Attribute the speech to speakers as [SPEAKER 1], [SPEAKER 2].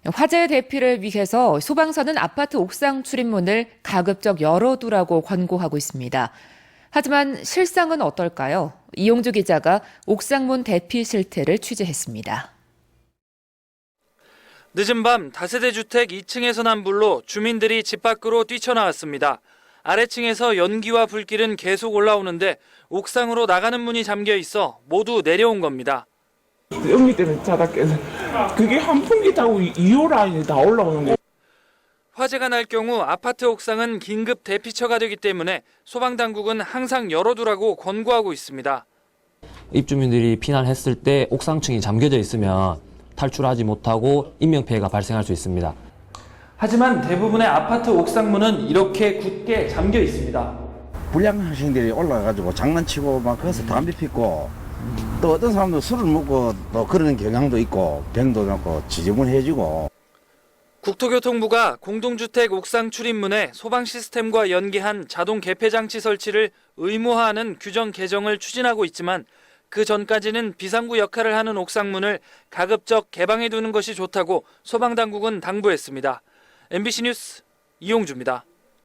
[SPEAKER 1] 화재 대피를 위해서 소방서는 아파트 옥상 출입문을 가급적 열어두라고 권고하고 있습니다. 하지만 실상은 어떨까요? 이용주 기자가 옥상문 대피 실태를 취재했습니다.
[SPEAKER 2] 늦은 밤 다세대 주택 2층에서 난 불로 주민들이 집 밖으로 뛰쳐나왔습니다. 아래층에서 연기와 불길은 계속 올라오는데 옥상으로 나가는 문이 잠겨 있어 모두 내려온 겁니다.
[SPEAKER 3] 여기 때문에 자다 깨서 그게 한풍기 타고 2호 라인이 다 올라오는 거예요.
[SPEAKER 2] 화재가 날 경우 아파트 옥상은 긴급 대피처가 되기 때문에 소방당국은 항상 열어두라고 권고하고 있습니다.
[SPEAKER 4] 입주민들이 피난했을 때 옥상층이 잠겨져 있으면 탈출하지 못하고 인명피해가 발생할 수 있습니다.
[SPEAKER 2] 하지만 대부분의 아파트 옥상문은 이렇게 굳게 잠겨 있습니다.
[SPEAKER 5] 불량 학생들이 올라가가지고 장난치고 막 거기서 담배 피고 또 어떤 사람도 술을 먹고 또 그러는 경향도 있고 병도 났고 지저분해지고.
[SPEAKER 2] 국토교통부가 공동주택 옥상 출입문에 소방 시스템과 연계한 자동 개폐 장치 설치를 의무화하는 규정 개정을 추진하고 있지만 그 전까지는 비상구 역할을 하는 옥상문을 가급적 개방해 두는 것이 좋다고 소방당국은 당부했습니다. MBC 뉴스 이용주입니다.